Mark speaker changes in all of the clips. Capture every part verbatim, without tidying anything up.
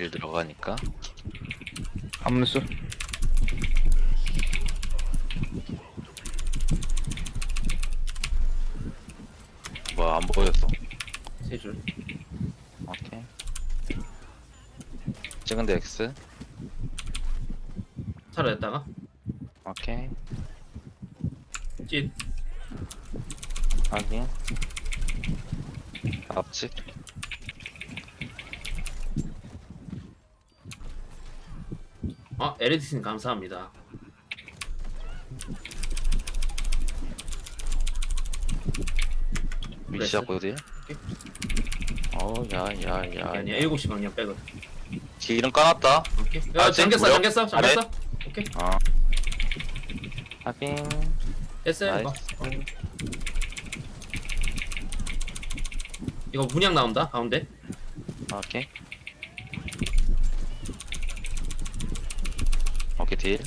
Speaker 1: 딜 들어가니까.
Speaker 2: 암수.
Speaker 1: 뭐야, 안 보였어.
Speaker 3: 세 줄.
Speaker 1: 오케이. 찍은데 X.
Speaker 3: 사라졌다가
Speaker 1: 오케이.
Speaker 3: 찐.
Speaker 1: 확인. 앞집.
Speaker 3: 어, 에레디슨 감사합니다.
Speaker 1: 위시작 어디? 어우, 야, 야,
Speaker 3: 아니
Speaker 1: 야.
Speaker 3: 아니야 일곱 시 방향 빼거든.
Speaker 1: 딜은 까놨다.
Speaker 3: 오케이. 야
Speaker 1: 아, 지금
Speaker 3: 잠겼어
Speaker 1: 무력?
Speaker 3: 잠겼어 잠겼어. 오케이.
Speaker 1: 어. 확인.
Speaker 3: 됐어요 이거.
Speaker 1: 나이스.
Speaker 3: 어. 이거 문양 나온다 가운데.
Speaker 1: 오케이. 오케이, 딜.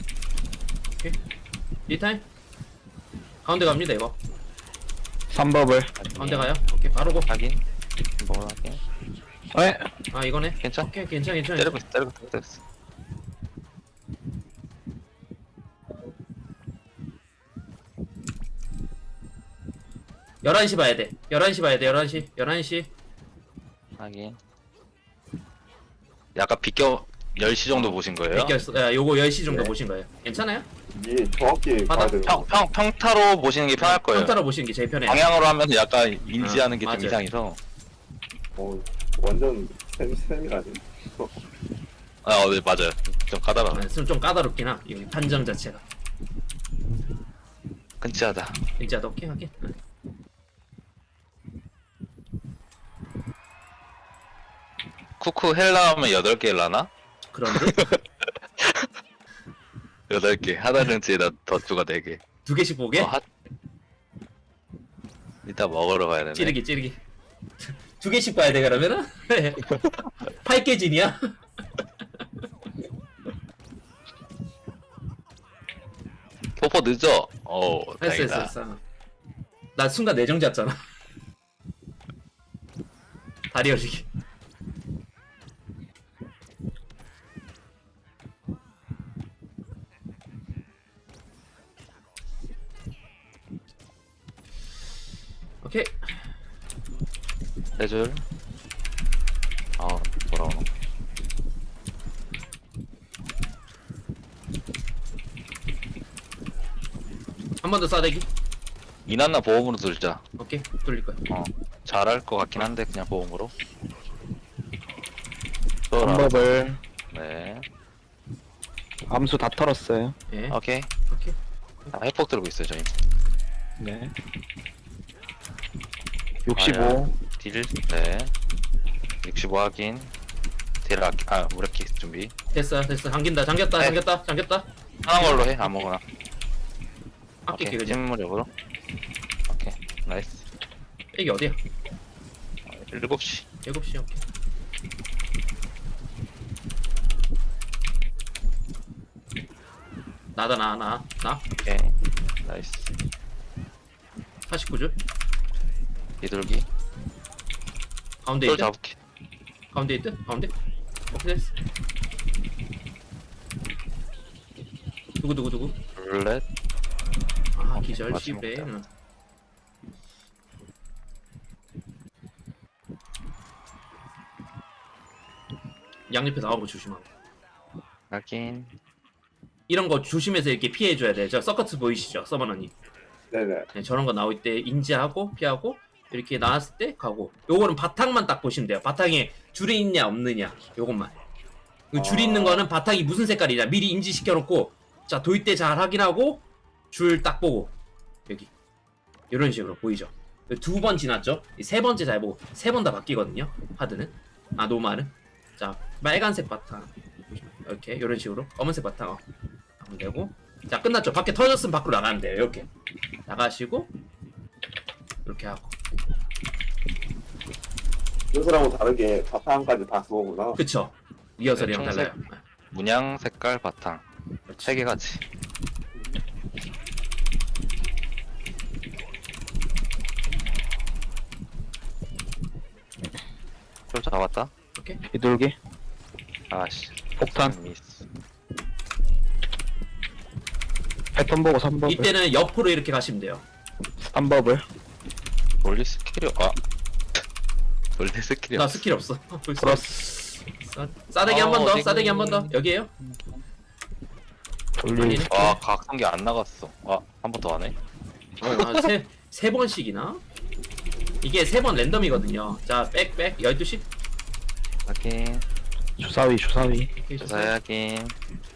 Speaker 3: 리타임. 가운데 갑니다 이거.
Speaker 2: 삼 버블.
Speaker 3: 가운데 가요. 오케이 바로 고.
Speaker 1: 확인. 뭐 확인.
Speaker 2: 에?
Speaker 3: 아 이거네.
Speaker 1: 괜찮?
Speaker 3: 오케이 괜찮아 괜찮아.
Speaker 1: 때리고 있어, 때리고 있어, 때리고 있어.
Speaker 3: 열한 시 봐야 돼. 열한 시 봐야 돼. 열한 시. 열한 시.
Speaker 1: 확인. 약간 비껴 열 시 정도 보신 거예요?
Speaker 3: 뺏겼어. 야, 요거 열 시 정도
Speaker 4: 네.
Speaker 3: 보신 거예요. 괜찮아요?
Speaker 4: 이게 정확히
Speaker 3: 바닥
Speaker 4: 봐야 되는
Speaker 1: 평, 평, 평타로 보시는 게 편할 거예요.
Speaker 3: 평타로 보시는 게 제일 편해요.
Speaker 1: 방향으로 하면 약간 인지하는
Speaker 3: 어,
Speaker 1: 게 좀
Speaker 3: 맞아요.
Speaker 1: 이상해서.
Speaker 4: 어, 완전 셈, 셈이라니.
Speaker 1: 아, 어, 네, 맞아요. 좀 까다로워.
Speaker 3: 아, 좀, 좀 까다롭긴 하. 이 판정 자체가.
Speaker 1: 근치하다.
Speaker 3: 진짜 넣긴 하긴. 응.
Speaker 1: 쿠쿠 헬라 하면 여덟 개 헬라나?
Speaker 3: 그런데
Speaker 1: 여덟 개. 하나 근치에다 덧주가 네 개.
Speaker 3: 두 개씩 보게?
Speaker 1: 어, 하... 이따 먹으러 가야 되네.
Speaker 3: 찌르기 찌르기. 두 개씩 봐야 돼 그러면은? 팔 개 진이야?
Speaker 1: 포포 늦어. 어,
Speaker 3: 했어
Speaker 1: 다행이다.
Speaker 3: 했어 했어. 나 순간 내정 잤잖아. 다리 열리기. 오케이.
Speaker 1: 세 줄. 아, 돌아오노.
Speaker 3: 한 번 더 싸대기.
Speaker 1: 이난나 보험으로 들자.
Speaker 3: 오케이. 돌릴 거야.
Speaker 1: 어, 잘할 것 같긴 한데 그냥 보험으로.
Speaker 2: 삼
Speaker 1: 또
Speaker 2: 버블.
Speaker 1: 네.
Speaker 2: 암수 다 털었어요.
Speaker 3: 예.
Speaker 1: 오케이.
Speaker 3: 오케이.
Speaker 1: 아, 회폭 들고 있어요 저희.
Speaker 2: 네. 육십오.
Speaker 1: 딜. 네. 육십오 확인. 딜 아, 아 무력기 준비.
Speaker 3: 됐어 됐어. 잠긴다 잠겼다
Speaker 1: 네.
Speaker 3: 잠겼다 잠겼다.
Speaker 1: 하나 걸로 해 아무거나.
Speaker 3: 아낄게
Speaker 1: 오케이.
Speaker 3: 그냥.
Speaker 1: 찜무력으로. 오케이. 나이스.
Speaker 3: 이게 어디야?
Speaker 1: 일곱 시.
Speaker 3: 일곱 시 오케이. 나다 나 나 나.
Speaker 1: 오케이. 나이스.
Speaker 3: 사십구 줄.
Speaker 1: 비둘기.
Speaker 3: 가운데
Speaker 1: 또
Speaker 3: 있다.
Speaker 1: 잡을게.
Speaker 3: 가운데 있다. 가운데. 오케이 됐어. 누구 누구 누구?
Speaker 1: 룰렛.
Speaker 3: 아
Speaker 1: 오케이,
Speaker 3: 기절
Speaker 1: 맞지
Speaker 3: 시브레.
Speaker 1: 먹자.
Speaker 3: 응. 양옆에 나오는 거 조심하고.
Speaker 1: 확인.
Speaker 3: 이런 거 조심해서 이렇게 피해줘야 돼. 저 서커트 보이시죠, 서버너님?
Speaker 4: 네네.
Speaker 3: 네, 저런 거 나올 때 인지하고 피하고 이렇게 나왔을 때 가고. 요거는 바탕만 딱 보시면 돼요. 바탕에 줄이 있냐 없느냐 요것만. 그 줄이
Speaker 4: 아.
Speaker 3: 있는 거는 바탕이 무슨 색깔이냐 미리 인지시켜 놓고 자 도일 때 잘 확인하고 줄 딱 보고 여기 이런 식으로 보이죠. 두 번 지났죠. 이 세 번째 잘 보고 세 번 다 바뀌거든요. 하드는 아 노말은 자 빨간색 바탕 이렇게 이런 식으로 검은색 바탕 어. 하면 되고 자 끝났죠. 밖에 터졌으면 밖으로 나가면 돼요. 이렇게 나가시고 이렇게 하고
Speaker 4: 요새랑은 다르게 바탕까지 다 쏘구나.
Speaker 3: 그쵸. 리허설이랑
Speaker 1: 네,
Speaker 3: 달라요.
Speaker 1: 문양 색깔 바탕.
Speaker 3: 그렇지.
Speaker 1: 세 개 같이. 좀 잡았다.
Speaker 3: 오케이.
Speaker 2: 비둘기.
Speaker 1: 아씨.
Speaker 2: 폭탄.
Speaker 1: 미스.
Speaker 2: 패턴 보고 삼 버블.
Speaker 3: 이때는 옆으로 이렇게 가시면 돼요.
Speaker 2: 삼 버블.
Speaker 1: 원래 스킬이 아. 원래 스킬이
Speaker 3: 나
Speaker 1: 없어.
Speaker 3: 스킬 없어. 벌써.
Speaker 2: 플러스.
Speaker 3: 싸- 싸대기 한
Speaker 1: 어,
Speaker 3: 번 더.
Speaker 1: 어디고.
Speaker 3: 싸대기 한 번 더. 여기에요?
Speaker 2: 돌리.
Speaker 3: 아니네.
Speaker 1: 아 각성기 안 나갔어. 아 한 번 더 하네.
Speaker 3: 아, 세, 세 번씩이나? 이게 세 번 랜덤이거든요. 자, 백, 백, 열두 시.
Speaker 1: 확인.
Speaker 2: 주사위 주사위.
Speaker 3: 오케이,
Speaker 1: 조사해 확인.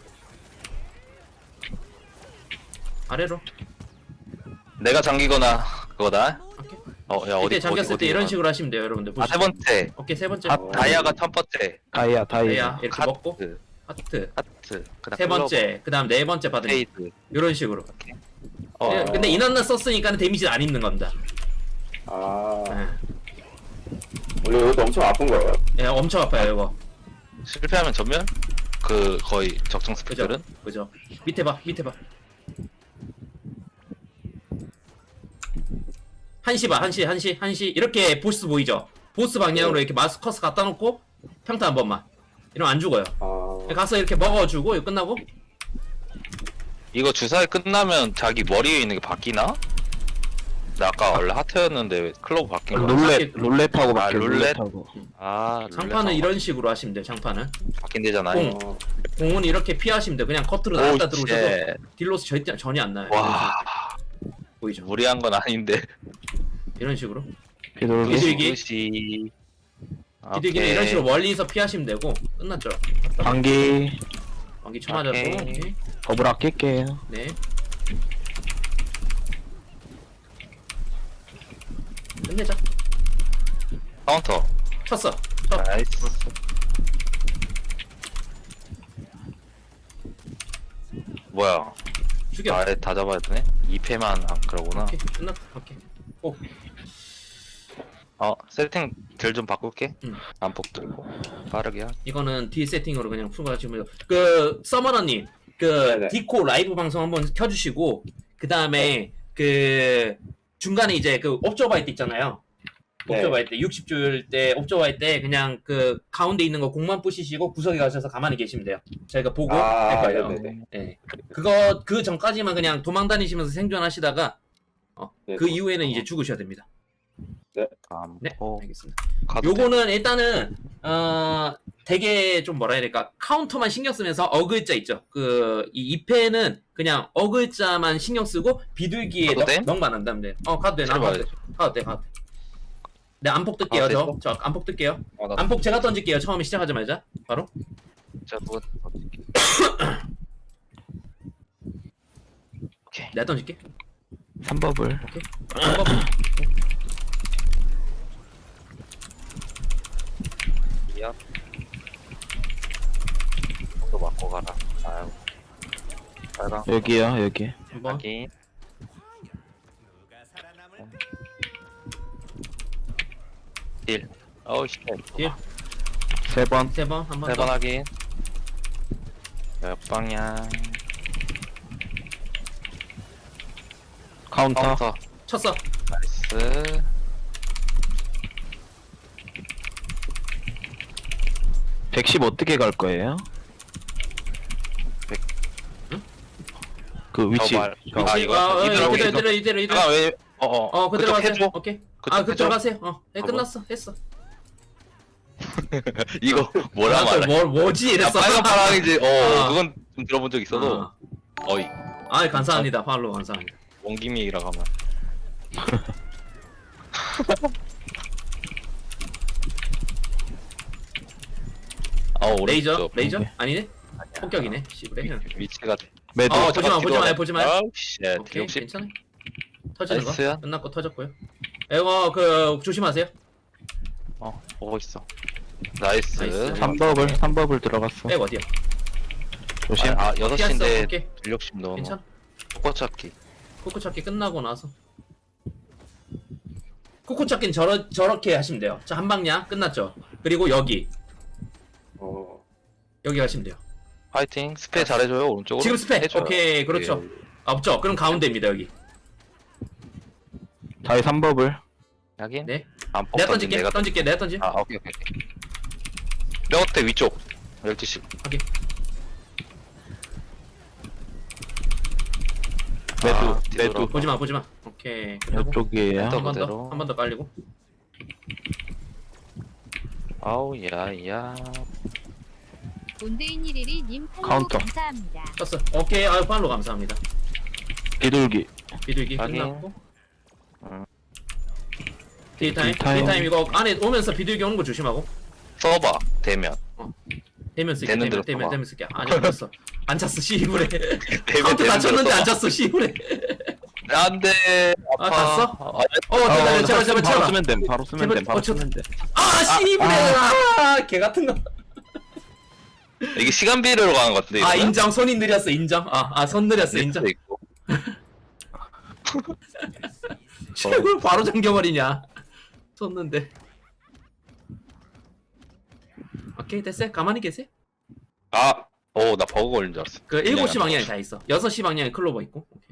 Speaker 3: 아래로.
Speaker 1: 내가 잠기거나 그거다.
Speaker 3: 오케이.
Speaker 1: 어야 어디
Speaker 3: 이때 잠겼을
Speaker 1: 어디,
Speaker 3: 때 이런
Speaker 1: 어디야?
Speaker 3: 식으로 하시면 돼요, 여러분들.
Speaker 1: 아세
Speaker 3: 보시죠.
Speaker 1: 번째.
Speaker 3: 오케이, 세 번째.
Speaker 2: 아,
Speaker 1: 다이아가 첫 번째.
Speaker 2: 다이아 다이아.
Speaker 3: 다이아 이렇게 먹고
Speaker 1: 하트.
Speaker 3: 하트.
Speaker 1: 하트. 그다음
Speaker 3: 세 번째. 그다음 네 번째 받으면
Speaker 1: 페이드.
Speaker 3: 이런 식으로.
Speaker 1: 어.
Speaker 3: 예, 근데 인원나 썼으니까 데미지는 안 입는 겁니다.
Speaker 4: 아,
Speaker 3: 예.
Speaker 4: 원래 이것도 엄청 아픈 거예요.
Speaker 3: 예, 엄청 아파요, 이거.
Speaker 1: 실패하면 전면? 그 거의 적정
Speaker 3: 그죠?
Speaker 1: 스펙들은?
Speaker 3: 그죠? 밑에 봐, 밑에 봐. 한시 봐, 한시, 한시, 한시. 이렇게 보스 보이죠? 보스 방향으로 이렇게 마스커스 갖다 놓고 평타 한 번만. 이러면 안 죽어요.
Speaker 4: 아,
Speaker 3: 가서 이렇게 먹어주고 이거 끝나고
Speaker 1: 이거 주사위 끝나면 자기 머리 위에 있는 게 바뀌나? 나 아까 원래 하트였는데 왜 클로브 바뀐 거야?
Speaker 2: 룰렛 룰렛하고
Speaker 1: 아,
Speaker 2: 바뀌어.
Speaker 1: 룰렛?
Speaker 2: 룰렛하고.
Speaker 1: 아
Speaker 3: 장판은 이런 식으로 하시면 돼요. 장판은
Speaker 1: 바뀐대잖아요.
Speaker 3: 공.
Speaker 4: 어,
Speaker 3: 공은 이렇게 피하시면 돼요. 그냥 커트로 나갔다 들어오셔도
Speaker 1: 쉣.
Speaker 3: 딜로스 절대 전혀 안 나요.
Speaker 1: 와
Speaker 3: 보이죠?
Speaker 1: 무리한 건 아닌데.
Speaker 3: 이런 식으로
Speaker 2: 비둘기.
Speaker 3: 비둘기.
Speaker 1: 시
Speaker 3: 비둘기는 이런 식으로 멀리서 피하시면 되고 끝났죠.
Speaker 2: 방기.
Speaker 3: 왕기 쳐맞았고
Speaker 1: 오케이.
Speaker 3: 오케이.
Speaker 2: 버블 아낄게요.
Speaker 3: 네. 끝내자.
Speaker 1: 카운터.
Speaker 3: 쳤어. 쳐.
Speaker 1: 나이스. 뭐야?
Speaker 3: 죽여.
Speaker 1: 아예 다 잡아야 되네. 이 패만 안 그러구나.
Speaker 3: 오케이 끝났다. 오케이. 오.
Speaker 1: 어 세팅 딜 좀 바꿀게.
Speaker 3: 응.
Speaker 1: 안폭 들고 빠르게 하.
Speaker 3: 이거는 뒤 세팅으로 그냥 풀고 가시면 그 서머너님 그
Speaker 4: 네네.
Speaker 3: 디코 라이브 방송 한번 켜주시고 그 다음에 그 중간에 이제 그 옵저바이트 있잖아요.
Speaker 4: 네.
Speaker 3: 옵저바이트 육십 줄 때 옵저바이트 때 그냥 그 가운데 있는 거 공만 부시시고 구석에 가셔서 가만히 계시면 돼요. 저희가 보고
Speaker 4: 아,
Speaker 3: 할 거예요.
Speaker 4: 네네네.
Speaker 3: 네. 그거 그 전까지만 그냥 도망 다니시면서 생존하시다가 어,
Speaker 4: 네,
Speaker 3: 그
Speaker 4: 어.
Speaker 3: 이후에는 이제 죽으셔야 됩니다. 네,
Speaker 1: 안폭.
Speaker 3: 알겠습니다.
Speaker 1: 카드
Speaker 3: 요거는 일단은 어 되게 좀 뭐라 해야 될까 카운터만 신경 쓰면서 어글자 있죠. 그 이 이 패는 그냥 어글자만 신경 쓰고 비둘기에
Speaker 1: 가도 돼?
Speaker 3: 넉만 안 담으면 돼. 어 가도 돼, 나
Speaker 1: 제발.
Speaker 3: 가도 돼, 가도 돼, 가도 돼. 네 안폭 뜰게요.
Speaker 1: 아,
Speaker 3: 저,
Speaker 1: 됐어?
Speaker 3: 저 안폭 뜰게요.
Speaker 1: 아, 나
Speaker 3: 안폭 제가 던질게요. 처음에 시작하자마자 바로.
Speaker 1: 진짜 누가 오케이.
Speaker 3: 내가 던질게.
Speaker 2: 삼 버블.
Speaker 3: 한번
Speaker 1: 미안. 좀더 맞고 가라. 아유. 빨강.
Speaker 2: 여기요 여기.
Speaker 3: 한번.
Speaker 1: 확인. 딜. 어우 씨.
Speaker 3: 딜.
Speaker 2: 세 번.
Speaker 3: 세 번, 한 번
Speaker 1: 세번
Speaker 3: 더.
Speaker 1: 확인. 옆방향.
Speaker 2: 카운터.
Speaker 1: 카운터.
Speaker 3: 쳤어.
Speaker 1: 나이스.
Speaker 2: 백십 어떻게 갈 거예요?
Speaker 1: 백-
Speaker 3: 응?
Speaker 2: 그 위치.
Speaker 1: 저 말-
Speaker 2: 저-
Speaker 1: 아,
Speaker 3: 위치,
Speaker 1: 이거?
Speaker 3: 어, 어,
Speaker 1: 이대로,
Speaker 3: 이대로,
Speaker 1: 이대로.
Speaker 3: 이대로, 이대로, 이대로.
Speaker 1: 아 왜? 어어.
Speaker 3: 어, 그대로 가세요.
Speaker 1: 해줘.
Speaker 3: 오케이.
Speaker 1: 그쪽
Speaker 3: 아, 그쪽
Speaker 1: 해줘.
Speaker 3: 가세요. 어, 네,
Speaker 1: 아,
Speaker 3: 끝났어. 했어.
Speaker 1: 이거 뭐라
Speaker 3: 아,
Speaker 1: 말해?
Speaker 3: 뭐, 뭐지?
Speaker 1: 야,
Speaker 3: 이랬어.
Speaker 1: 빨간 파랑이지. 어,
Speaker 3: 아.
Speaker 1: 그건 좀 들어본 적 있어도.
Speaker 3: 아,
Speaker 1: 어이,
Speaker 3: 아, 감사합니다. 팔로우 감사합니다.
Speaker 1: 원기미라고 하면. 아, 오른쪽.
Speaker 3: 레이저? 레이저?
Speaker 2: 오케이.
Speaker 3: 아니네? 폭격이네. 씨부레.
Speaker 1: 위치가.
Speaker 2: 매도.
Speaker 3: 어, 보지 마, 보지 마요, 보지 마요.
Speaker 1: 아우, 쉣.
Speaker 3: 오케이,
Speaker 1: 역시.
Speaker 3: 괜찮아. 터지는
Speaker 1: 나이스야.
Speaker 3: 거 끝났고 터졌고요. 이거 그 조심하세요.
Speaker 1: 어, 보고 있어. 나이스.
Speaker 3: 나이스.
Speaker 2: 삼 버블. 삼 버블 들어갔어.
Speaker 3: 백 어디야?
Speaker 2: 조심.
Speaker 1: 아, 여섯
Speaker 3: 피했어.
Speaker 1: 시인데
Speaker 3: 오케이,
Speaker 1: 전력심 넣어.
Speaker 3: 괜찮아.
Speaker 1: 코코찾기.
Speaker 3: 코코 찾기 끝나고 나서 코코 찾기는 저러, 저렇게 하시면 돼요. 자, 한 방향 끝났죠. 그리고 여기
Speaker 4: 어,
Speaker 3: 여기 가시면 돼요.
Speaker 1: 파이팅. 스페 잘해줘요, 오른쪽으로.
Speaker 3: 지금 스페.
Speaker 1: 해줘요.
Speaker 3: 오케이, 그렇죠. 아, 없죠? 그럼 가운데입니다, 여기.
Speaker 2: 다이 삼 버블.
Speaker 1: 여긴?
Speaker 3: 네.
Speaker 1: 안
Speaker 3: 내가
Speaker 1: 던진
Speaker 3: 던질게,
Speaker 1: 내가
Speaker 3: 던질게, 내가 던지.
Speaker 1: 아, 오케이, 오케이. 오케이. 뼈 어때, 위쪽. 열두 시.
Speaker 3: 확인.
Speaker 2: 매도,
Speaker 1: 아,
Speaker 2: 매도.
Speaker 1: 뒤돌아.
Speaker 3: 보지마 보지마. 오케이. 그리고
Speaker 2: 이쪽이에요.
Speaker 1: 또-
Speaker 3: 한 번 더.
Speaker 1: 그대로.
Speaker 3: 한 번 더 깔리고.
Speaker 1: 아우 야야.
Speaker 5: 온데이니리리님 follow
Speaker 2: 카운터.
Speaker 5: 감사합니다.
Speaker 3: 떴어. 오케이. 아유 팔로 감사합니다.
Speaker 2: 비둘기.
Speaker 3: 비둘기
Speaker 1: 확인.
Speaker 3: 끝났고.
Speaker 1: 음.
Speaker 3: 딜타임.
Speaker 2: 딜타임.
Speaker 3: 딜타임 이거 안에 오면서 비둘기 오는 거 조심하고.
Speaker 1: 서버 대면.
Speaker 3: 대면 쓸게.
Speaker 1: 되는
Speaker 3: 대면
Speaker 1: 대로
Speaker 3: 대면
Speaker 1: 써봐.
Speaker 3: 대면 쓸게. 아니 안 찼어. 안 찼어. 시부래.
Speaker 1: 대면
Speaker 3: 카운트 다 쳤는데 안
Speaker 1: 찼.
Speaker 3: 찼어. 시부래.
Speaker 1: 안돼.
Speaker 3: 아,
Speaker 1: 아파.
Speaker 3: 땄어?
Speaker 1: 아,
Speaker 3: 어 제발 제발 제발
Speaker 2: 바로
Speaker 3: 제발.
Speaker 2: 쓰면 됨. 바로 쓰면
Speaker 3: 제발,
Speaker 2: 됨. 바로
Speaker 3: 어, 저-
Speaker 2: 쓰면 돼.
Speaker 3: 아 시부래. 아, 개 같은 거.
Speaker 1: 이게 시간비로 가는 것 같은데.
Speaker 3: 아
Speaker 1: 이거는?
Speaker 3: 인정. 손이 느렸어. 인정. 아아손 느렸어. 인정.
Speaker 1: 넷도 있고.
Speaker 3: 최고 바로 잠겨버리냐. 쳤는데. 오케이 됐어요. 가만히 계세요.
Speaker 1: 아, 오, 나 버그 걸린 줄 알았어.
Speaker 3: 그 일곱 시
Speaker 1: 그냥
Speaker 3: 방향에 다 있어. 여섯 시 방향에 클로버 있고. 오케이.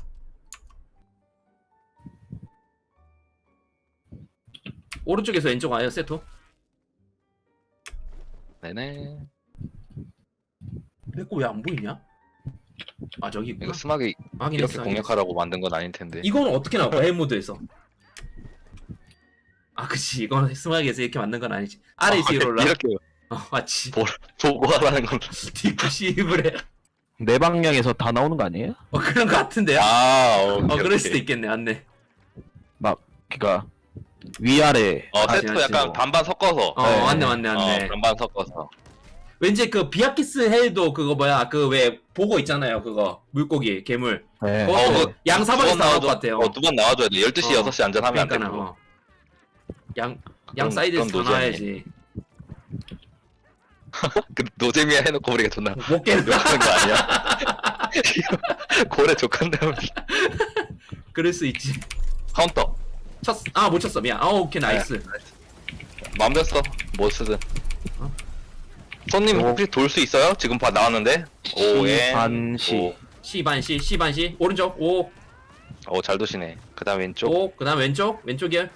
Speaker 3: 오른쪽에서 왼쪽 와요. 세토.
Speaker 1: 네네.
Speaker 3: 내거 왜 안 보이냐? 아 저기 있구나.
Speaker 1: 이거 스마게
Speaker 3: 확인했어,
Speaker 1: 이렇게
Speaker 3: 확인했어.
Speaker 1: 공략하라고 만든 건 아닐 텐데.
Speaker 3: 이건 어떻게 나와? 해 모드에서. 아 그치. 이건 스마트에서 이렇게 만든 건 아니지. 아래
Speaker 1: 아,
Speaker 3: 위로 올라.
Speaker 1: 이렇게
Speaker 3: 어 맞지.
Speaker 1: 보, 보고 하라는 건.
Speaker 3: 디프 시브레.
Speaker 2: 내 방향에서 다 나오는 거 아니에요?
Speaker 3: 어 그런 거 같은데요?
Speaker 1: 아, 오케이,
Speaker 3: 어 그럴
Speaker 1: 오케이.
Speaker 3: 수도 있겠네. 맞네.
Speaker 2: 막, 그니까, 위아래.
Speaker 1: 어,
Speaker 3: 맞지,
Speaker 1: 세트
Speaker 3: 맞지.
Speaker 1: 약간 반반 섞어서.
Speaker 3: 어
Speaker 2: 네.
Speaker 3: 맞네 맞네 맞네.
Speaker 1: 어, 반반 섞어서.
Speaker 3: 왠지 그 비아키스 헬도 그거 뭐야 그 왜 보고 있잖아요. 그거 물고기 괴물.
Speaker 2: 네.
Speaker 3: 그것도
Speaker 1: 어, 그
Speaker 3: 양사방에서
Speaker 1: 두번
Speaker 3: 나올 것
Speaker 1: 나와줘-
Speaker 3: 같아요.
Speaker 1: 어, 두 번 나와줘야 돼. 열두 시,
Speaker 3: 어.
Speaker 1: 여섯 시 안전하면 안 돼.
Speaker 3: 그러니까
Speaker 1: 그거.
Speaker 3: 어. 양, 양
Speaker 1: 그건-
Speaker 3: 사이드에서
Speaker 1: 그건
Speaker 3: 다 놔야지.
Speaker 1: 그 노잼이야 해놓고 우리가 존나
Speaker 3: 못 깨는 거.
Speaker 1: 욕하는 거 아니야? 고래 족한다면.
Speaker 3: 그럴 수 있지.
Speaker 1: 카운터.
Speaker 3: 쳤, 아, 못 쳤어. 미안. 아, 오케이, 나이스.
Speaker 1: 맘대로 써. 뭐 쓰든.
Speaker 3: 어?
Speaker 1: 손님
Speaker 2: 오.
Speaker 1: 혹시 돌 수 있어요? 지금 봐 나왔는데. 오에
Speaker 2: 반시.
Speaker 3: 시 반시, 시 반시. 오른쪽, 오,
Speaker 1: 오, 잘 도시네. 그다음 왼쪽.
Speaker 3: 오. 그 다음 왼쪽, 왼쪽이야.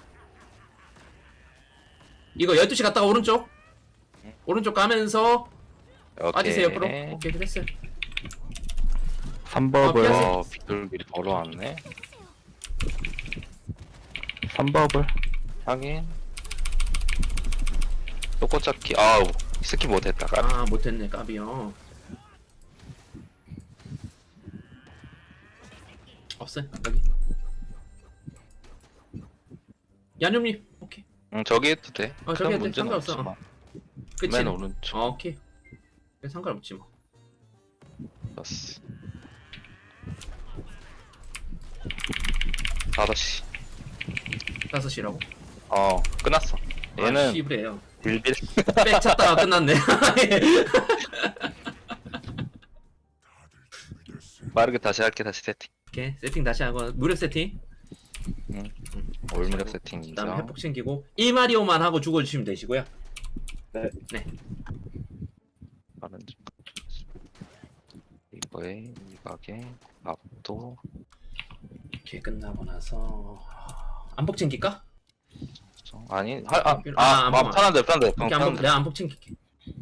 Speaker 3: 이거 열두 시 갔다가 오른쪽. 오른쪽 가면서
Speaker 1: 오케이.
Speaker 3: 빠지세요, 옆으로. 오케이, 됐어요.
Speaker 2: 삼 버블.
Speaker 3: 어,
Speaker 1: 어, 비둘기 벌어왔네.
Speaker 2: 삼 버블.
Speaker 1: 확인. 또 꽃잡기. 아우, 스킵 못했다. 까
Speaker 3: 아, 못했네, 까비요. 없어요, 여기. 야념님, 오케이.
Speaker 1: 응, 저기 해도 돼.
Speaker 3: 어, 저기
Speaker 1: 큰
Speaker 3: 해도 돼.
Speaker 1: 문제는
Speaker 3: 상관없어.
Speaker 1: 없지만.
Speaker 3: 끝이.
Speaker 1: 맨 오른쪽.
Speaker 3: 어, 오케이. 그래, 상관없지 뭐.
Speaker 1: 플러스. 다섯 시.
Speaker 3: 다섯 시라고?
Speaker 1: 어, 끝났어.
Speaker 3: 아,
Speaker 1: 얘는
Speaker 3: 씨브래요.
Speaker 1: 빌빌.
Speaker 3: 백 찼다가 끝났네.
Speaker 1: 빠르게 다시 할게. 다시 세팅.
Speaker 3: 오케이, 세팅 다시 하고 무력 세팅.
Speaker 1: 올무력 세팅
Speaker 3: 그다음에
Speaker 1: 인정.
Speaker 3: 회복 챙기고 일 마리오만 하고 죽어주시면 되시고요.
Speaker 4: 네.
Speaker 3: 네.
Speaker 1: 빠른 중. 이거에 이각에 압도.
Speaker 3: 오케이, 끝나고 나서 안복 챙길까?
Speaker 1: 아니, 하, 아,
Speaker 3: 아,
Speaker 1: 아,
Speaker 3: 안
Speaker 1: 아,
Speaker 3: 보면.
Speaker 1: 편한데, 편한데,
Speaker 3: 오케이, 안복
Speaker 1: 편한데.
Speaker 3: 내가 안복 챙길게.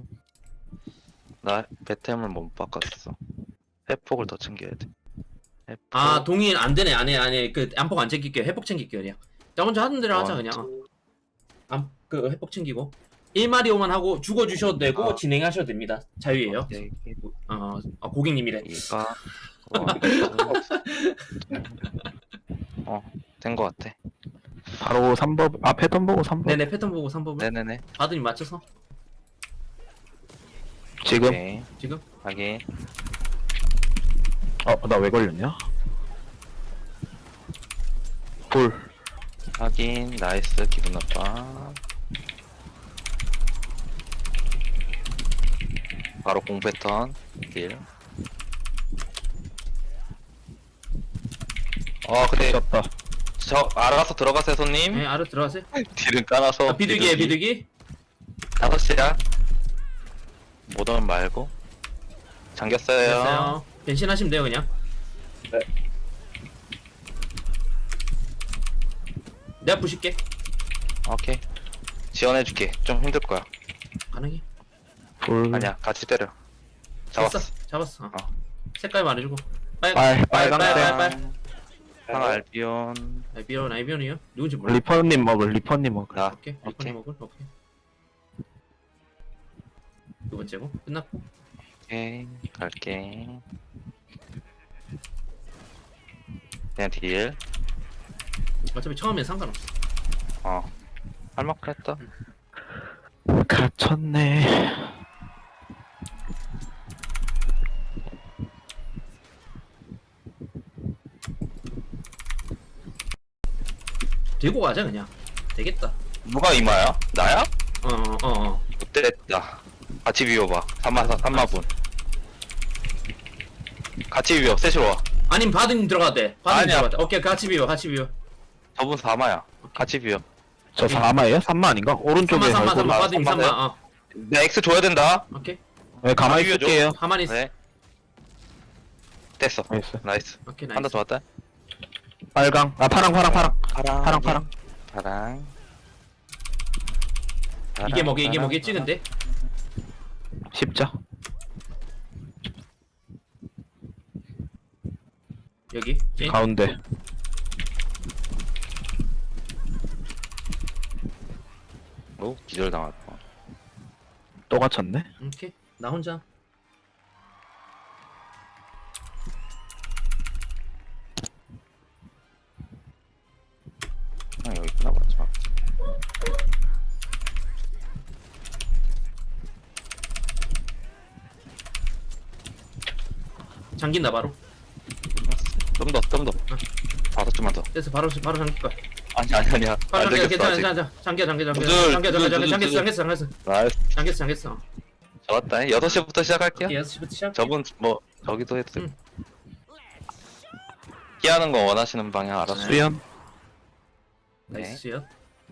Speaker 1: 나 배템을 못 바꿨어. 회폭을 더 챙겨야 돼. 회폭.
Speaker 3: 아 동일 안 되네. 안해 안해. 그 안복 안 챙길게. 회복 챙길게 그냥. 자 먼저 하는 대로 하자
Speaker 1: 원,
Speaker 3: 그냥.
Speaker 1: 투.
Speaker 3: 안그 회복 챙기고 일 마리오만 하고 죽어주셔도 되고
Speaker 1: 아.
Speaker 3: 진행하셔도 됩니다. 자유예요.
Speaker 1: 네,
Speaker 3: 어, 아, 고객님이래.
Speaker 1: 이가 어, 된 거 같아.
Speaker 2: 바로 삼 버블. 아, 패턴 보고 삼 버블.
Speaker 3: 네네 패턴 보고 삼 법을
Speaker 1: 네네네.
Speaker 3: 바드님 맞춰서
Speaker 2: 지금.
Speaker 1: 오케이.
Speaker 3: 지금
Speaker 1: 확인.
Speaker 2: 어, 나 왜 걸렸냐? 볼.
Speaker 1: 확인. 나이스. 기분 나빠. 바로 공 패턴. 딜. 어, 근데
Speaker 2: 졌다.
Speaker 1: 저 알아서 들어가세요, 손님.
Speaker 3: 네 알아 들어가세요.
Speaker 1: 딜은 까놔서.
Speaker 3: 아, 비둘기에 비둘기.
Speaker 1: 다섯 시야. 못 오면 말고. 잠겼어요.
Speaker 3: 됐어요. 변신하시면 돼요 그냥.
Speaker 4: 네.
Speaker 3: 내가 부실게.
Speaker 1: 오케이. 지원해줄게. 좀 힘들 거야.
Speaker 3: 가능해.
Speaker 2: 불.
Speaker 1: 아니야 같이 때려.
Speaker 3: 잡았어.
Speaker 1: 잡았어.
Speaker 3: 잡았어. 어.
Speaker 1: 어.
Speaker 3: 색깔 말해주고. 빨,
Speaker 2: 빨,
Speaker 3: 빨, 빨,
Speaker 2: 빨강
Speaker 3: 빨,
Speaker 2: 색.
Speaker 3: 빨.
Speaker 1: 상 알비온.
Speaker 3: 아이비온, 아이비온이요? 누군지 몰라.
Speaker 2: 리퍼님 먹을, 리퍼님 먹을.
Speaker 1: 나.
Speaker 3: 오케이,
Speaker 1: 오케이.
Speaker 3: 리퍼님 먹을. 오케이. 두 번째고 끝났고.
Speaker 1: 오케이 갈게. 그냥 딜.
Speaker 3: 어차피 처음엔 상관없어.
Speaker 1: 어. 할 만큼 했다.
Speaker 2: 갇혔네.
Speaker 3: 들고 가자 그냥. 되겠다.
Speaker 1: 누가 이마야? 나야?
Speaker 3: 어, 어, 어. 어.
Speaker 1: 못됐다. 같이 비워봐. 삼마 삼마분. 같이 비워. 셋이로 와.
Speaker 3: 아님 바드님 들어가도 돼. 바드님
Speaker 1: 아니야.
Speaker 3: 들어가도 돼. 오케이, 같이 비워, 같이 비워.
Speaker 1: 저분 사마야. 같이 비워.
Speaker 2: 저 사마예요? 삼마 아닌가? 오른쪽에
Speaker 3: 삼마, 삼마,
Speaker 2: 얼굴.
Speaker 3: 삼마,
Speaker 1: 아,
Speaker 3: 바드님 삼마.
Speaker 1: 삼마세요?
Speaker 3: 어,
Speaker 1: 내 X 줘야 된다.
Speaker 3: 오케이.
Speaker 2: 네, 가만히
Speaker 1: 비워줘.
Speaker 2: 있을게요.
Speaker 3: 가만히 있어.
Speaker 1: 네. 됐어.
Speaker 2: 나이스.
Speaker 1: 나이스.
Speaker 3: 오케이,
Speaker 1: 한 대
Speaker 3: 나이스.
Speaker 1: 좋았다.
Speaker 2: 빨강. 아, 파랑, 파랑, 파랑.
Speaker 1: 파랑.
Speaker 2: 파랑, 파랑.
Speaker 1: 파랑.
Speaker 3: 이게 뭐게, 이게
Speaker 1: 파랑,
Speaker 3: 뭐겠지, 근데?
Speaker 2: 십자.
Speaker 3: 여기. 찐.
Speaker 2: 가운데.
Speaker 1: 오, 기절 당했다.
Speaker 2: 또 갇혔네.
Speaker 3: 오케이. 나 혼자.
Speaker 1: 아, 여기 있나 보자.
Speaker 3: 잠긴다, 바로.
Speaker 1: 좀 더, 좀 더. 다섯 줄만 더.
Speaker 3: 됐어, 바로, 바로 잠길 거야.
Speaker 1: 아니, 아니, 아니야.
Speaker 3: 바로
Speaker 1: 안
Speaker 3: 잠겨,
Speaker 1: 되겠어,
Speaker 3: 괜찮아,
Speaker 1: 아직.
Speaker 3: 괜찮아. 잠겨, 잠겨, 잠겨.
Speaker 1: 두줄,
Speaker 3: 잠겨, 잠겨,
Speaker 1: 두줄,
Speaker 3: 잠겨,
Speaker 1: 두줄,
Speaker 3: 잠겼어,
Speaker 1: 두줄.
Speaker 3: 잠겼어, 잠겼어.
Speaker 1: 나이스.
Speaker 3: 잠겼어, 잠겼어.
Speaker 1: 좋았다. 여섯 시부터 시작할게요.
Speaker 3: 오케이, 여섯 시부터 시작.
Speaker 1: 저분, 뭐, 저기도 해도 돼.
Speaker 3: 응.
Speaker 1: 피하는 거 원하시는 방향 알아서.
Speaker 2: 수연.
Speaker 3: 나이스요.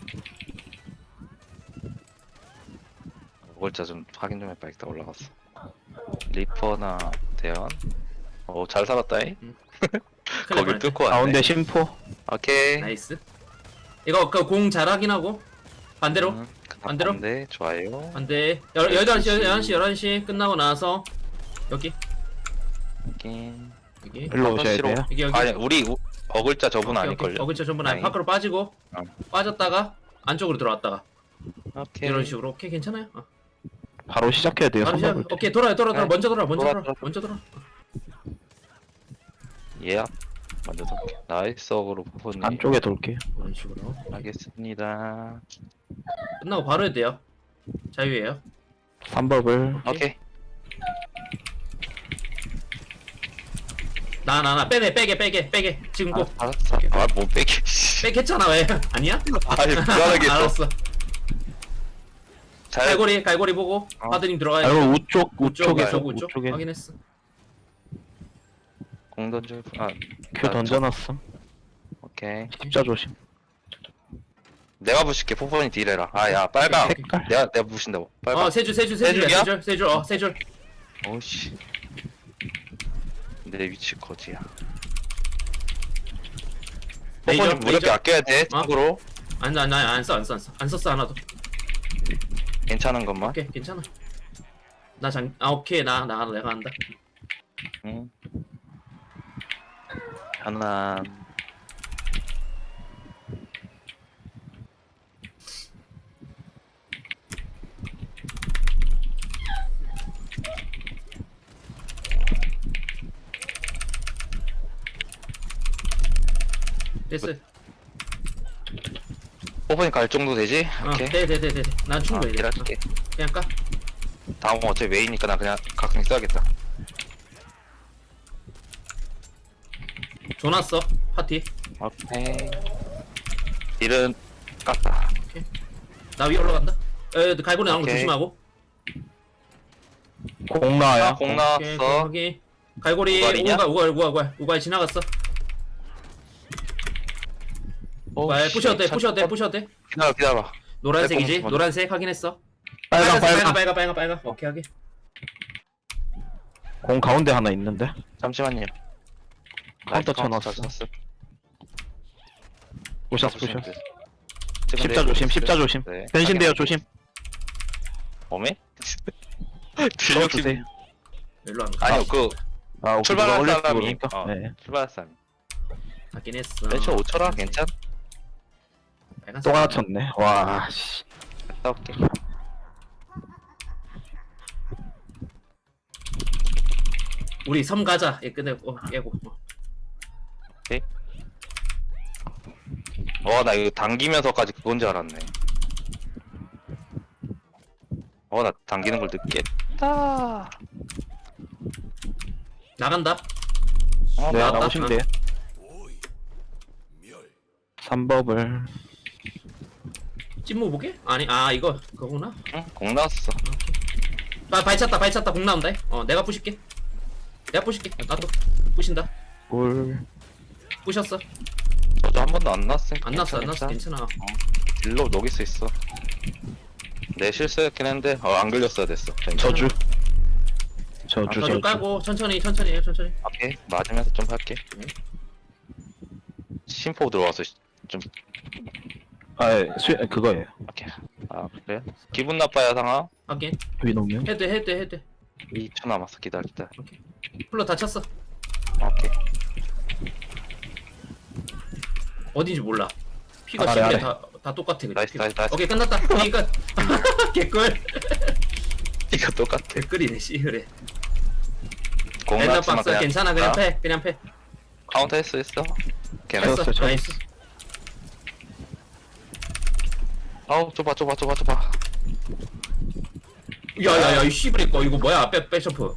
Speaker 1: 골자 좀 확인 좀 해봐. 일단 올라갔어. 리퍼나 대현. 오, 잘 살았다잉. 거길 뚫고 왔네.
Speaker 2: 가운데 심포.
Speaker 1: 오케이.
Speaker 3: 나이스. 이거 그 공 잘 확인하고 반대로
Speaker 1: 음,
Speaker 3: 반대로?
Speaker 1: 네, 좋아요.
Speaker 3: 반대 열 열한 시 열한 시 열한 시 끝나고 나서 여기
Speaker 1: 확인.
Speaker 3: 여기
Speaker 2: 일로 오셔야
Speaker 1: 시로.
Speaker 2: 돼요.
Speaker 3: 여기 여기
Speaker 1: 아니, 우리 우- 어글자 저분
Speaker 3: 오케이,
Speaker 1: 아닐걸요?
Speaker 3: 오케이. 어글자 전부 아니
Speaker 1: 다행히.
Speaker 3: 밖으로 빠지고
Speaker 1: 어.
Speaker 3: 빠졌다가 안쪽으로 들어왔다가
Speaker 1: 오케이.
Speaker 3: 이런 식으로 오케이 괜찮아요. 어.
Speaker 2: 바로 시작해야 돼요.
Speaker 3: 바로 시작.
Speaker 2: 삼박을 때.
Speaker 3: 오케이 돌아요 돌아 돌아
Speaker 1: 네.
Speaker 3: 먼저 돌아 먼저
Speaker 1: 돌아,
Speaker 3: 돌아
Speaker 1: 돌아.
Speaker 3: 먼저 돌아.
Speaker 1: 예. 먼저 돌게. 나이스 어그로 부분이.
Speaker 2: 안쪽에 돌게요.
Speaker 3: 이런 식으로
Speaker 1: 알겠습니다.
Speaker 3: 끝나고 바로 해도 돼요. 자유예요.
Speaker 2: 삼박을.
Speaker 1: 오케이.
Speaker 3: 나 나 나 빼내 빼게 빼게 빼게 지금 꼭
Speaker 1: 아, 알았어. 아, 못 빼기.
Speaker 3: 빼겠잖아 왜 아니야?
Speaker 1: 아니, 불안하게 했어.
Speaker 3: 알았어.
Speaker 1: 잘.
Speaker 3: 갈고리 갈고리 보고
Speaker 1: 어.
Speaker 3: 파드님 들어가야
Speaker 2: 아,
Speaker 3: 돼.
Speaker 2: 이거 우쪽, 우쪽에.
Speaker 3: 우쪽 우쪽
Speaker 2: 우쪽에
Speaker 3: 확인했어.
Speaker 1: 공 던져. 아,
Speaker 2: 큐 던져놨음.
Speaker 1: 오케이.
Speaker 2: 십자 조심.
Speaker 1: 내가 부실게. 포폰이 딜해라. 아, 야, 빨강.
Speaker 2: 색깔.
Speaker 1: 내가, 내가 부신다고. 빨강.
Speaker 3: 어, 세 줄, 세 줄,
Speaker 1: 세
Speaker 3: 세 줄이야,
Speaker 1: 줄이야?
Speaker 3: 세 줄, 세 줄, 어, 세 줄.
Speaker 1: 오씨. 내 위치 거지야.
Speaker 3: 레이저,
Speaker 1: 포폰이 무력이
Speaker 3: 레이저.
Speaker 1: 아껴야 돼.
Speaker 3: 어?
Speaker 1: 참고로.
Speaker 3: 안, 안, 안, 안 써, 안 써, 안 써, 안 썼어 하나도.
Speaker 1: 괜찮은 것만.
Speaker 3: 오케이, 괜찮아. 나 장, 아, 오케이, 나, 나, 내가 한다.
Speaker 1: 응. 편안.
Speaker 3: 됐어.
Speaker 1: 포폰이 갈 정도 되지?
Speaker 3: 어,
Speaker 1: 오케이.
Speaker 3: 돼, 돼, 돼, 돼. 돼. 난
Speaker 1: 어,
Speaker 3: 충분히 돼. 어,
Speaker 1: 일할게.
Speaker 3: 그냥 까.
Speaker 1: 다음 건 어차피 메이니까 나 그냥 각성 써야겠다.
Speaker 3: 줘놨어, 파티.
Speaker 1: 오케이. 딜은 깠다.
Speaker 3: 나 위에 올라간다. 에, 갈고리 나오는 거
Speaker 1: 오케이.
Speaker 3: 조심하고.
Speaker 2: 공 나와요.
Speaker 1: 아, 공
Speaker 3: 오케이,
Speaker 1: 나왔어.
Speaker 3: 거기. 갈고리,
Speaker 1: 우갈이냐?
Speaker 3: 우갈, 우갈, 우갈, 우갈, 우갈 지나갔어. 우갈, 부셔도 돼, 부셔도 돼, 부셔도 돼.
Speaker 1: 기다려, 기다려.
Speaker 3: 노란색이지?
Speaker 1: 내 공-
Speaker 3: 노란색 확인했어.
Speaker 2: 빨강,
Speaker 3: 빨간,
Speaker 2: 빨강.
Speaker 3: 빨간, 빨간, 빨간. 오케이, 하게.
Speaker 2: 공 가운데 하나 있는데.
Speaker 1: 잠시만요.
Speaker 2: 카운터
Speaker 1: 카운터
Speaker 2: 쳐놨어.
Speaker 1: 쳤어.
Speaker 2: 부셨어, 부셨어.
Speaker 1: 지금
Speaker 2: 십자
Speaker 1: 내
Speaker 2: 조심,
Speaker 1: 보고
Speaker 2: 십자
Speaker 1: 있어요.
Speaker 2: 조심.
Speaker 1: 네.
Speaker 2: 변신돼요, 조심.
Speaker 1: 어메? 딜욕심
Speaker 2: 주세요.
Speaker 3: 일로 안 가.
Speaker 1: 아니요 그
Speaker 2: 아, 오케이.
Speaker 1: 출발한
Speaker 2: 누가 올릴지
Speaker 1: 사람이
Speaker 2: 모르니까.
Speaker 1: 어,
Speaker 2: 네.
Speaker 1: 출발한 사람
Speaker 3: 가긴 했어.
Speaker 1: 매출 오천원 괜찮?
Speaker 3: 빨간색.
Speaker 2: 또 갇혔네. 와, 씨.
Speaker 1: 갔다 올게
Speaker 3: 우리 섬 가자. 얘 끝내고 어, 깨고. 어.
Speaker 1: 어 나 이거 당기면서까지 그건 줄 알았네 어 나 당기는 걸 늦겠다
Speaker 3: 나간다.
Speaker 1: 어
Speaker 2: 네,
Speaker 3: 나왔다.
Speaker 2: 나오시면 돼요. 삼 법을.
Speaker 3: 찐무 보게? 아니 아 이거 그거구나.
Speaker 1: 응? 공 나왔어
Speaker 3: 아 발찼다 발찼다 공 나온다. 어 내가 부실게. 내가 부실게. 나도 부신다.
Speaker 2: 올.
Speaker 3: 부셨어.
Speaker 1: 저도 한 번도 안 났으니까
Speaker 3: 안 났어 안 났어
Speaker 1: 괜찮아.
Speaker 3: 괜찮아.
Speaker 1: 딜로 녹일 수 있어 내 실수였긴 했는데 어 안 걸렸어야 됐어
Speaker 2: 저주.
Speaker 1: 아,
Speaker 2: 저주,
Speaker 3: 저주
Speaker 2: 저주.
Speaker 3: 깔고 천천히 천천히 해 천천히.
Speaker 1: 오케이 맞으면서 좀 할게
Speaker 3: 네.
Speaker 1: 심포 들어와서 시- 좀
Speaker 2: 아, 예, 수, 그거예요.
Speaker 1: 오케이 아 그래? 기분 나빠야 상아
Speaker 3: 하긴
Speaker 2: 위노면.
Speaker 3: 헤드 헤드 헤드.
Speaker 1: 이 초 남았어 기다려 기다려
Speaker 3: 풀로 다쳤어.
Speaker 1: 오케이
Speaker 3: 어딘지 몰라. 피가
Speaker 2: 아래,
Speaker 3: 십일에
Speaker 2: 아래.
Speaker 3: 다, 다 똑같아. 그냥.
Speaker 1: 나이스,
Speaker 3: 피가.
Speaker 1: 나이스, 나이스.
Speaker 3: 오케이 끝났다. 그러니까 개꿀.
Speaker 1: 이거 똑같아
Speaker 3: 개꿀이네 씨 그래.
Speaker 1: 공
Speaker 3: 랜덤
Speaker 1: 나왔지만
Speaker 3: 박스
Speaker 1: 그냥
Speaker 3: 괜찮아 그냥
Speaker 1: 아,
Speaker 3: 패 그냥 패.
Speaker 1: 카운터 했어 했어 오케이
Speaker 3: 했어.
Speaker 2: 쳤어, 쳤어.
Speaker 3: 나이스.
Speaker 1: 아우 좁아 좁아 좁아 좁아
Speaker 3: 야야야 이 씨브레 거 이거 뭐야 백 백셔프.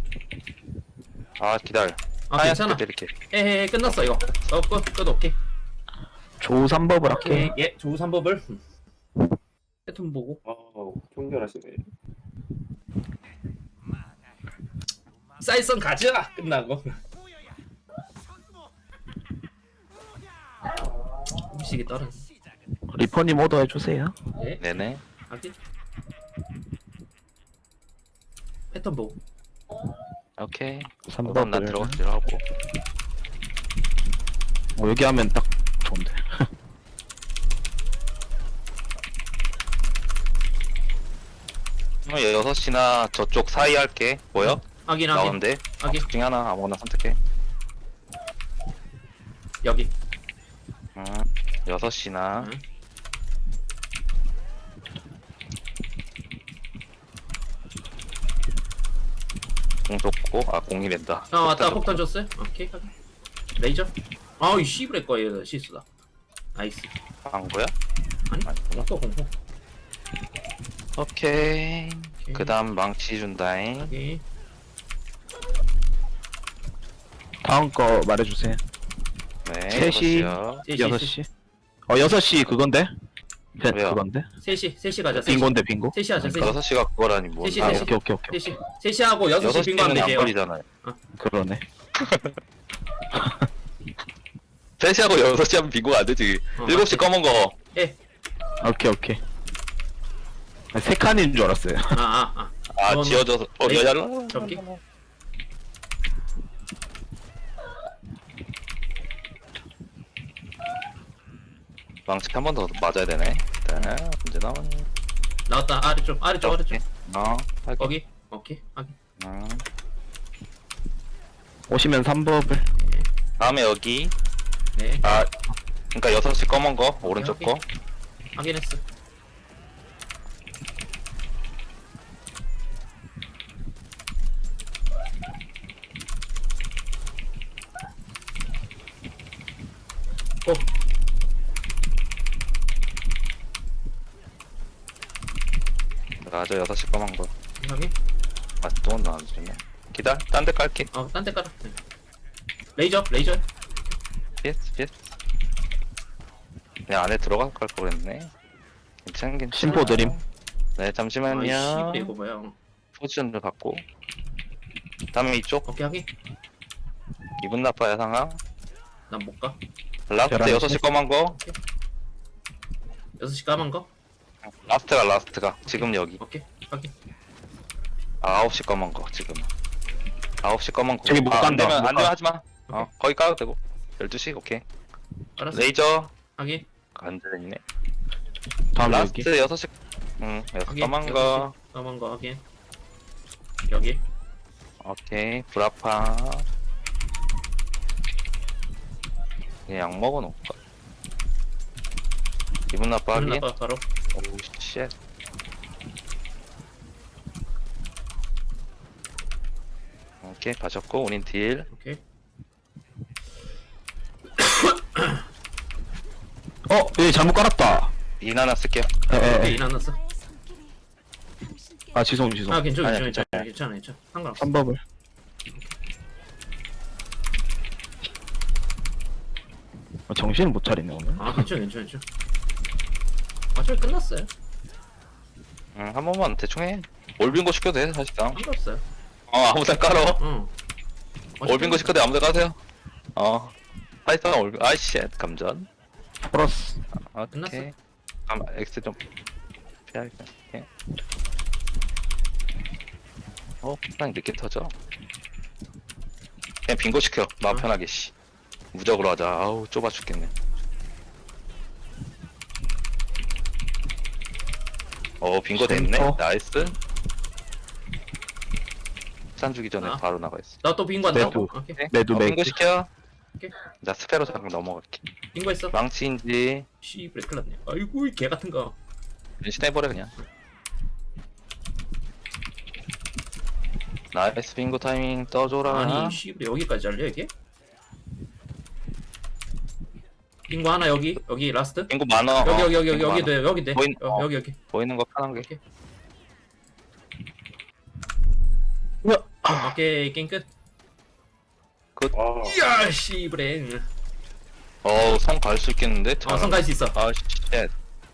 Speaker 1: 아 기다려
Speaker 3: 아 괜찮아.
Speaker 1: 이렇게
Speaker 3: 에헤 끝났어 이거. 어끝끝 오케이.
Speaker 2: 조 삼 법을 할게.
Speaker 3: 오케이 예 조우 삼법을. 패턴 보고.
Speaker 4: 어, 총결하시네.
Speaker 3: 사이선 가자 끝나고. 음식이 떨어.
Speaker 2: 리퍼님 오더 해주세요.
Speaker 3: 예
Speaker 1: 네네
Speaker 3: 하긴. 패턴 보고.
Speaker 1: 오케이
Speaker 2: 삼
Speaker 1: 그럼 난
Speaker 2: 법을.
Speaker 1: 들어가서 딜하고
Speaker 2: 어, 여기 하면 딱 좋은데.
Speaker 1: 어, 여섯 시나 저쪽 사이 할게 보여?
Speaker 3: 하긴 하긴
Speaker 1: 나오는데
Speaker 3: 하긴
Speaker 1: 둘 중에 하나 아무거나 선택해
Speaker 3: 여기.
Speaker 1: 음, 여섯 시나
Speaker 3: 응.
Speaker 1: 공 줬고 아 공이 된다
Speaker 3: 아 맞다
Speaker 1: 폭탄
Speaker 3: 폭탄 줬어요? 오케이 하긴. 레이저. 아이 씨브레 거에 실수다. 나이스.
Speaker 1: 줬고. 한 거야?
Speaker 3: 아니
Speaker 1: 아니구나.
Speaker 3: 또 공포.
Speaker 1: 오케이
Speaker 3: 오케이.
Speaker 1: 그 다음 망치 준다잉
Speaker 3: 오케이.
Speaker 2: 다음 거 말해주세요.
Speaker 1: 네
Speaker 2: 셋이.
Speaker 1: 여섯 시요.
Speaker 3: 셋이,
Speaker 2: 여섯
Speaker 3: 셋이.
Speaker 2: 시. 어, 여섯 시 그건데? 펜,
Speaker 1: 왜요?
Speaker 2: 그건데?
Speaker 3: 셋이 셋이 가자. 셋이.
Speaker 2: 빙고인데, 빙고?
Speaker 3: 셋이 하자. 셋이.
Speaker 1: 여섯 시가 그거라니 뭐
Speaker 3: 셋이,
Speaker 2: 아,
Speaker 3: 셋이.
Speaker 2: 오케이, 오케이, 오케이.
Speaker 3: 셋이. 셋이 하고 여섯
Speaker 1: 여섯
Speaker 3: 시 빙고하면
Speaker 1: 시는 안
Speaker 3: 되지.
Speaker 1: 걸리잖아요
Speaker 2: 그러네.
Speaker 1: 세 시하고 여섯 시 하면 빙고가 안 되지
Speaker 3: 어,
Speaker 1: 일곱 시 검은 거
Speaker 3: 예.
Speaker 2: 오케이, 오케이. 아, 세 칸인 줄 알았어요.
Speaker 3: 아아 아.
Speaker 1: 아
Speaker 3: 그거는-
Speaker 1: 지어져서 어
Speaker 3: 네.
Speaker 1: 여자로
Speaker 3: 접기.
Speaker 1: 망치 한 번 더 맞아야 되네 네 언제 나오니
Speaker 3: 나왔다. 아래쪽 아래쪽 아래쪽.
Speaker 1: 어 할게
Speaker 3: 거기. 오케이. 하긴.
Speaker 1: 음.
Speaker 2: 오시면 삼 법을.
Speaker 1: 다음에 여기
Speaker 3: 네.
Speaker 1: 아 그니까 여섯 시 검은 거 오른쪽
Speaker 3: 오케이.
Speaker 1: 거
Speaker 3: 확인했어. 고.
Speaker 1: 맞아 여섯 시 검은 거
Speaker 3: 확인.
Speaker 1: 아, 또 나와주네. 기다려, 딴 데 깔게.
Speaker 3: 어, 딴 데 깔아. 네. 레이저, 레이저.
Speaker 1: 피스, 피스. 그냥 안에 들어갈 걸 그랬네. 괜찮, 괜찮.
Speaker 2: 심포 드림.
Speaker 1: 네,
Speaker 3: 아이
Speaker 1: 잠시만요.
Speaker 3: 씨, 이거 뭐야? 어.
Speaker 1: 포지션을 갖고. 다음에 이쪽.
Speaker 3: 오케이, 하긴.
Speaker 1: 기분 나빠요, 상황.
Speaker 3: 난 못 가.
Speaker 1: 라스트
Speaker 2: 계란이
Speaker 1: 여섯 시 검은 거.
Speaker 3: 여섯 시 까만 거.
Speaker 1: 라스트가, 라스트가. 지금 여기.
Speaker 3: 오케이, 확인.
Speaker 1: 아, 아홉 시 검은 거, 지금. 아홉 시 검은 거.
Speaker 2: 저기 못
Speaker 1: 아, 안
Speaker 2: 간다,
Speaker 1: 되면,
Speaker 2: 못
Speaker 1: 안 되면
Speaker 2: 가.
Speaker 1: 하지 마. 어, 거기 까도 되고. 열두 시, 오케이.
Speaker 3: 알았어.
Speaker 1: 레이저.
Speaker 3: 확인.
Speaker 1: 안 되네.
Speaker 2: 다음 여기.
Speaker 1: 라스트 여섯 시. 응, 여섯
Speaker 3: 확인.
Speaker 1: 검은
Speaker 3: 여섯 시
Speaker 1: 거.
Speaker 3: 까만 거 확인. 여기.
Speaker 1: 오케이 브라파. 그냥 약 먹어놓을까? 기분 나빠
Speaker 3: 기분
Speaker 1: 하긴?
Speaker 3: 나빠 바로.
Speaker 1: 오우 쉣. 오케이 가셨고 우린 딜.
Speaker 3: 오케이.
Speaker 2: 어, 얘 잘못 깔았다.
Speaker 1: 인 하나 쓸게요.
Speaker 2: 에, 에,
Speaker 3: 오케이
Speaker 2: 에.
Speaker 3: 인 안 났어.
Speaker 2: 아, 죄송, 죄송.
Speaker 3: 아 괜찮아
Speaker 1: 아니야,
Speaker 3: 괜찮아
Speaker 1: 괜찮아요.
Speaker 3: 괜찮아 괜찮아 상관없어.
Speaker 2: 삼 법을. 아, 정신을 못 차리네, 오늘.
Speaker 3: 아 괜찮아 괜찮아 괜찮아. 어차피 끝났어요.
Speaker 1: 응, 한 번만 대충 해. 올빈고 시켜도 돼 사실상.
Speaker 3: 상관없어요.
Speaker 1: 어 아무데나 깔어.
Speaker 3: 응. 어차피
Speaker 1: 올빈고 시켜도 아무데나 까세요. 어. 파이썬 올빈. 아이씨 감전.
Speaker 2: 플러스.
Speaker 1: 오케이. 아 엑스 좀 피하겠다. 오케이. 어, 그냥 늦게 터져. 그냥 빙고 시켜. 마음
Speaker 3: 어.
Speaker 1: 편하게 씨. 무적으로 하자. 아우 좁아 죽겠네. 어 빙고 됐네.
Speaker 2: 어.
Speaker 1: 나이스. 산 주기 전에
Speaker 3: 아.
Speaker 1: 바로 나가 있어.
Speaker 3: 나또 빙고 한다고?
Speaker 2: 매도.
Speaker 3: 오케이.
Speaker 1: 네?
Speaker 2: 매도,
Speaker 1: 어,
Speaker 2: 매도.
Speaker 1: 빙고 시켜.
Speaker 3: 오케이.
Speaker 1: 자 스페로 잠깐 넘어갈게.
Speaker 3: 빙고 했어.
Speaker 1: 망치인지
Speaker 3: 씨브레 큰일 났네. 아이고 이 개 같은 거.
Speaker 1: 변신해버려 그냥. 나이스 빙고 타이밍 떠줘라.
Speaker 3: 아니 씨브레 여기까지 잘려 이게? 빙고 하나 여기 여기 라스트.
Speaker 1: 빙고 많어.
Speaker 3: 여기
Speaker 1: 어,
Speaker 3: 여기 여기 여기
Speaker 1: 빙고
Speaker 3: 여기
Speaker 1: 많어.
Speaker 3: 돼 여기 돼.
Speaker 1: 보인-
Speaker 3: 어,
Speaker 1: 어.
Speaker 3: 여기 여기.
Speaker 1: 보이는 거 편한 게.
Speaker 3: 오케이.
Speaker 2: 뭐야?
Speaker 3: 오케이 게임 끝.
Speaker 4: 와.
Speaker 3: 이야 씨브레.
Speaker 1: 어우 성 갈 수 있겠는데?
Speaker 3: 어 성갈 수 있어.
Speaker 1: 아 쉣.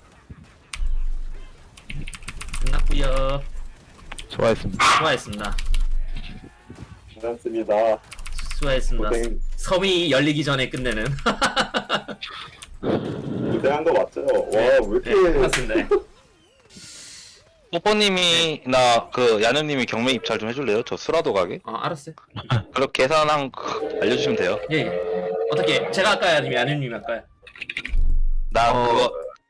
Speaker 3: 끝났고요.
Speaker 2: 좋아했습니다.
Speaker 3: 수고하셨습니다.
Speaker 4: 괜찮습니다.
Speaker 3: 수고하셨습니다.
Speaker 4: 고생,
Speaker 3: 섬이 열리기 전에 끝내는.
Speaker 4: 고생한 거 맞죠? 와, 왜 이렇게.
Speaker 3: 네, 맞습니다.
Speaker 1: 뽀뽀님이 나 그 야누님이 경매 입찰 좀 해줄래요? 저 수라도 가게?
Speaker 3: 어 알았어요.
Speaker 1: 그렇게 계산한 거 알려주시면 돼요.
Speaker 3: 예, 예. 어떻게 제가 할까요? 아니면 아누님이 할까요?
Speaker 1: 나
Speaker 2: 어.
Speaker 1: 그거